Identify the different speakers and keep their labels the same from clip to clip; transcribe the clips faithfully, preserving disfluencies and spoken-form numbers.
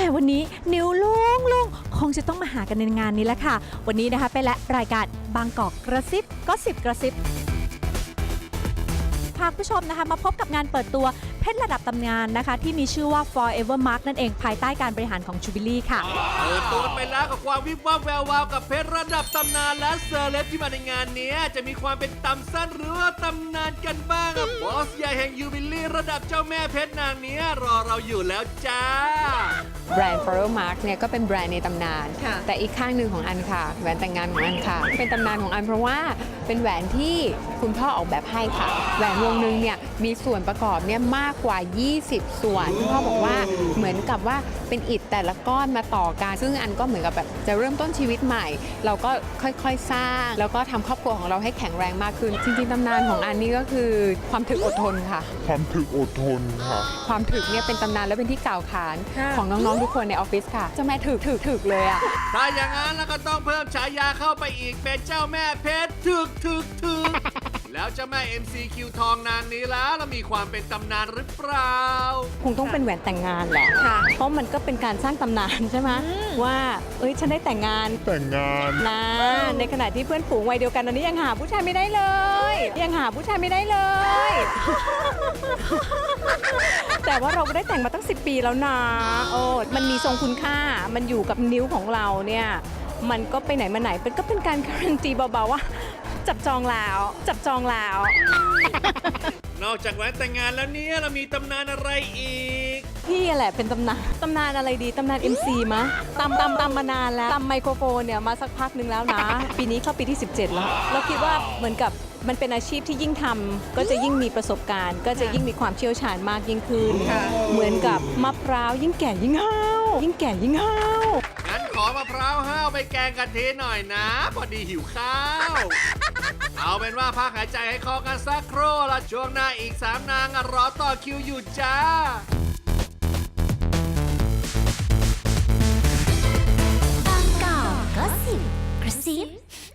Speaker 1: วันนี้นิ้วลุงลุงคงจะต้องมาหากันในงานนี้แหละค่ะวันนี้นะคะเป็นและรายการบางกอกกระซิบก็สิบกระซิบพาผู้ชมนะคะมาพบกับงานเปิดตัวเพชรระดับตำนานนะคะที่มีชื่อว่า Forever Mark นั่นเองภายใต้การบริหารของ Jubilee ค่ะ
Speaker 2: เปิดตัวไปแล้วกับความวิบวับแวววาวกับเพชรระดับตำนานและเซอร์เลบที่มาในงานนี้จะมีความเป็นตำสั้นหรือว่าตำนานกันบ้างบอสใหญ่แห่งยูบิลี่ระดับเจ้าแม่เพชรนางนี้รอเราอยู่แล้วจ้า
Speaker 3: แบรนด์ Forever Mark เนี่ยก็เป็นแบรนด์ในตำนานแต่อีกข้างหนึ่งของอันค่ะแหวนแต่งงานของอันค่ะเป็นตำนานของอันเพราะว่าเป็นแหวนที่คุณพ่อออกแบบให้ค่ะแหวนวงนึงเนี่ยมีส่วนประกอบเนี่ยมากกว่ายี่สิบส่วนคุณพ่อบอกว่าเหมือนกับว่าเป็นอิฐแต่ละก้อนมาต่อกันซึ่งอันก็เหมือนกับแบบจะเริ่มต้นชีวิตใหม่เราก็ค่อยๆสร้างแล้วก็ทำครอบครัวของเราให้แข็งแรงมากขึ้นจริงๆตำนานของอันนี่ก็คือความถึกอดทนค่ะ
Speaker 4: ความถึกอดทนค่ะ
Speaker 3: ความถึกเนี่ยเป็นตำนานและเป็นที่กล่าวขานของน้องๆทุกคนในออฟฟิศค่ะเจ้าแม่ถึกถึกถึกเลยอ่ะ
Speaker 2: ถ้าอย่างนั้นแล้วก็ต้องเพิ่มฉายาเข้าไปอีกเป็นเจ้าแม่เพชรถึกถึกถึกแล้วเจ้าแม่ เอ็ม ซี คิว ทองนางนี้แล้วแล้วมีความเป็นตำนานหรือเปล่า
Speaker 1: คงต้องเป็นแหวนแต่งงานแหละเพราะมันก็เป็นการสร้างตำนานใช่ไหมว่าเอ้ยฉันได้แต่งงาน
Speaker 4: แต่งงาน
Speaker 1: นะในขณะที่เพื่อนฝูงวัยเดียวกันตอนนี้ยังหาผู้ชายไม่ได้เลยยังหาผู้ชายไม่ได้เลยแต่ว่าเราก็ได้แต่งมาตั้งสิบปีแล้วนะโอ้มันมีทรงคุณค่ามันอยู่กับนิ้วของเราเนี่ยมันก็ไปไหนมาไหนเป็นก็เป็นการการันตีเบาๆว่าจับจองแล้วจับจองแล้ว
Speaker 2: นอกจากแหวนแต่งงานแล้วเนี่ยเรามีตำนานอะไรอีก
Speaker 1: พี่แหละเป็นตำนานตำนานอะไรดีตำนาน เอ็ม ซี มะตำตำตำมานานแล้วตำไมโครโฟนเนี่ยมาสักพักหนึ่งแล้วนะ ปีนี้เข้าปีที่สิบเจ็ดแล้วเราคิดว่าเหมือนกับมันเป็นอาชีพที่ยิ่งทำก็จะยิ่งมีประสบการณ์ก็จะยิ่งมีความเชี่ยวชาญมากยิ่งขึ้นเหมือนกับมะพร้าวยิ่งแก่ยิ่งห้าวยิ่งแก่ยิ่งห้าว
Speaker 2: งั้นขอมะพร้าวห้าวไปแกงกะทิหน่อยนะพอดีหิวข้าวเอาเป็นว่าพักหายใจให้คอกันสักครู่ละช่วงหน้าอีกสามนางรอต่อคิวอยู่จ้า
Speaker 5: บางกอกก็สิบกระซิ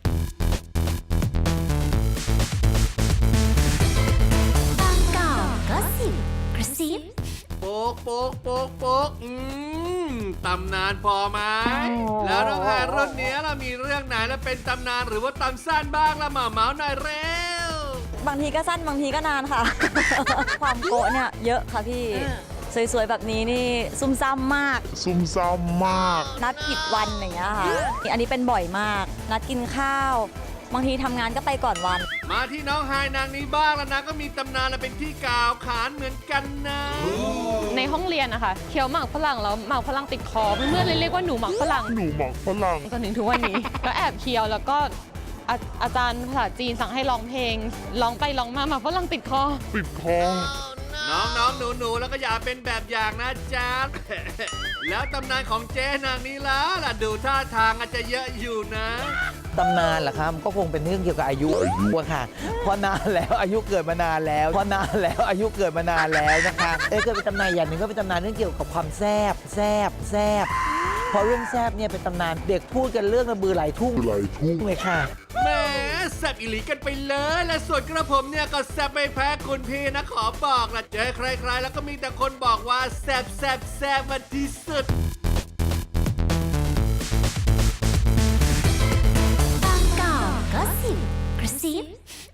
Speaker 5: บางกอกก็สิบกระซิบ
Speaker 2: โป๊กโป๊กโป๊กโป๊กอืมตำนานพอไหมแล้วน้องแฮร์รุ่นนี้เรามีเรื่องไหนแล้วเป็นตำนานหรือว่าตำสั้นบ้างละมาเมาส์หน่อยเร็ว
Speaker 6: บางทีก็สั้นบางทีก็นานค่ะ ความโกะเนี่ยเยอะค่ะพี่สวยๆแบบนี้นี่ซุ่มซ่ามมาก
Speaker 4: ซุ่มซ่ามมาก
Speaker 6: นัดผิดวันอย่างเงี้ยค่ะอันนี้เป็นบ่อยมากนัดกินข้าวบางทีทำงานก็ไปก่อนวัน
Speaker 2: มาที่น้องไฮนางนี้บ้างแล้วนะก็มีตำนานและเป็นที่กล่าวขานเหมือนกันนะ
Speaker 3: ในห้องเรียนนะคะเคี้ยวหมากฝรั่งแล้วหมากฝรั่งติดคอเพื่อนๆเรียกว่าหนูหมากฝรั่ง
Speaker 4: หนูหมากฝรั่ง
Speaker 3: จนถึงทุกวันนี้ ก็แอบเคี้ยวแล้วก็อาอาจารย์ภาษาจีนสั่งให้ร้องเพลงร้องไปร้องมาหมากฝรั่งติดคอ
Speaker 4: ติดคอ
Speaker 2: น้องน้องหนูหนูแล้วก็อย่าเป็นแบบอย่างนะจ๊ะ แล้วตำนานของเจ๊นางนี้ล่ะล่ะดูท่าทางอาจจะเยอะอยู่นะ
Speaker 7: ตำนานเหรอครับก็คงเป็นเรื่องเกี่ยวกับอายุวัวค่ะเพราะนานแล้วอายุเกิดมานานแล้วเพราะนานแล้วอายุเกิดมานานแล้วนะคะเอ้ยก็เป็นตำนานอย่างหนึ่งก็เป็นตำนานเรื่องเกี่ยวกับความแซบแซบแซบพอเรื่องแซบเนี่ยเป็นตำนานเด็กพูดกันเรื่องระบือไหลทุ่ง
Speaker 4: ไหลทุ่ง
Speaker 7: เลยค่ะ
Speaker 2: แหมแซบอิหลีกันไปเลยและส่วนกระผมเนี่ยก็แซบไม่แพ้คุณพี่นะขอบอกละเจอใครๆแล้วก็มีแต่คนบอกว่าแซบแซบแซบมาที่สุด
Speaker 5: บางกอกก็สิบกระซิบ